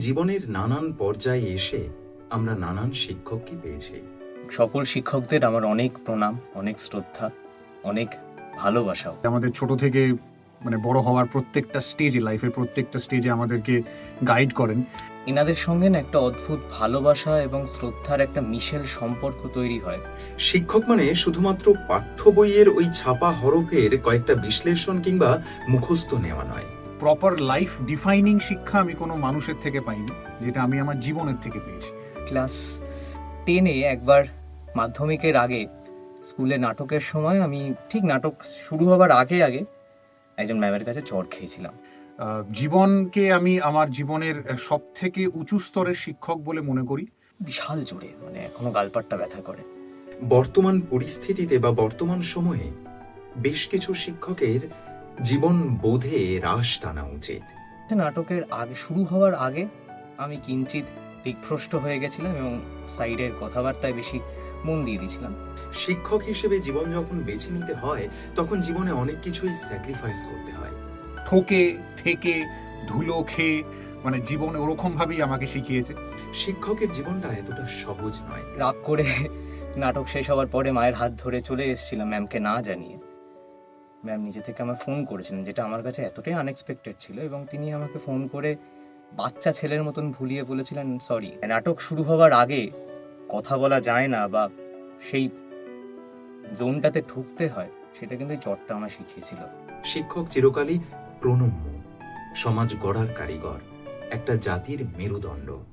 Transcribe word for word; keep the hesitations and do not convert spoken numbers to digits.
জীবনের নানান পর্যায়ে এসে আমরা নানান শিক্ষককে পেয়েছি। সকল শিক্ষকদের আমার অনেক প্রণাম, অনেক শ্রদ্ধা, অনেক ভালোবাসাও। আমাদের ছোট থেকে মানে বড় হওয়ার প্রত্যেকটা স্টেজে, লাইফের প্রত্যেকটা স্টেজে আমাদেরকে গাইড করেন। এনাদের সঙ্গে না একটা অদ্ভুত ভালোবাসা এবং শ্রদ্ধার একটা মিশেল সম্পর্ক তৈরি হয়। শিক্ষক মানে শুধুমাত্র পাঠ্য বইয়ের ওই ছাপা হরফের কয়েকটা বিশ্লেষণ কিংবা মুখস্থ নেওয়া নয়। প্রপার লাইফ ডিফাইনিং শিক্ষা আমি কোনো মানুষের থেকে পাইনি, যেটা আমি আমার জীবনের থেকে পেয়েছি। ক্লাস টেনে একবার মাধ্যমিকের আগে স্কুলে নাটকের সময় আমি ঠিক নাটক শুরু হবার আগে আগে একজন ম্যামের কাছে চড় খেয়েছিলাম। আহ, জীবনকে আমি আমার জীবনের সব থেকে উঁচু স্তরের শিক্ষক বলে মনে করি। বিশাল জোরে, মানে এখনো গালপাটটা ব্যথা করে। বর্তমান পরিস্থিতিতে বা বর্তমান সময়ে বেশ কিছু শিক্ষকের জীবন বোধে রাশ টানা উচিত। নাটকের আগে শুরু হওয়ার আগে আমি কিঞ্চিত দিকভ্রষ্ট হয়ে গেছিলাম এবং সাইডের কথাবার্তায় বেশি মন দিয়ে দিয়েছিলাম। শিক্ষক হিসেবে জীবন যখন বেছে নিতে হয় তখন জীবনে অনেক কিছুই স্যাক্রিফাইস করতে হয়। ঠকে থেকে ধুলো খেয়ে মানে জীবন ওরকম ভাবেই আমাকে শিখিয়েছে। শিক্ষকের জীবনটা এতটা সহজ নয়। রাগ করে নাটক শেষ হওয়ার পরে মায়ের হাত ধরে চলে এসেছিলাম ম্যামকে না জানিয়ে। ম্যাম নিজে থেকে আমার ফোন করেছিলেন, যেটা আমার কাছে এতটাই আনএক্সপেক্টেড ছিল, এবং তিনি আমাকে ফোন করে বাচ্চা ছেলের মতন ভুলিয়ে বলেছিলেন সরি। নাটক শুরু হওয়ার আগে কথা বলা যায় না বা সেই জোনটাতে ঢুকতে হয়, সেটা কিন্তু এই চটটা আমার শিখিয়েছিল। শিক্ষক চিরকালই প্রণম্য, সমাজ গড়ার কারিগর, একটা জাতির মেরুদণ্ড।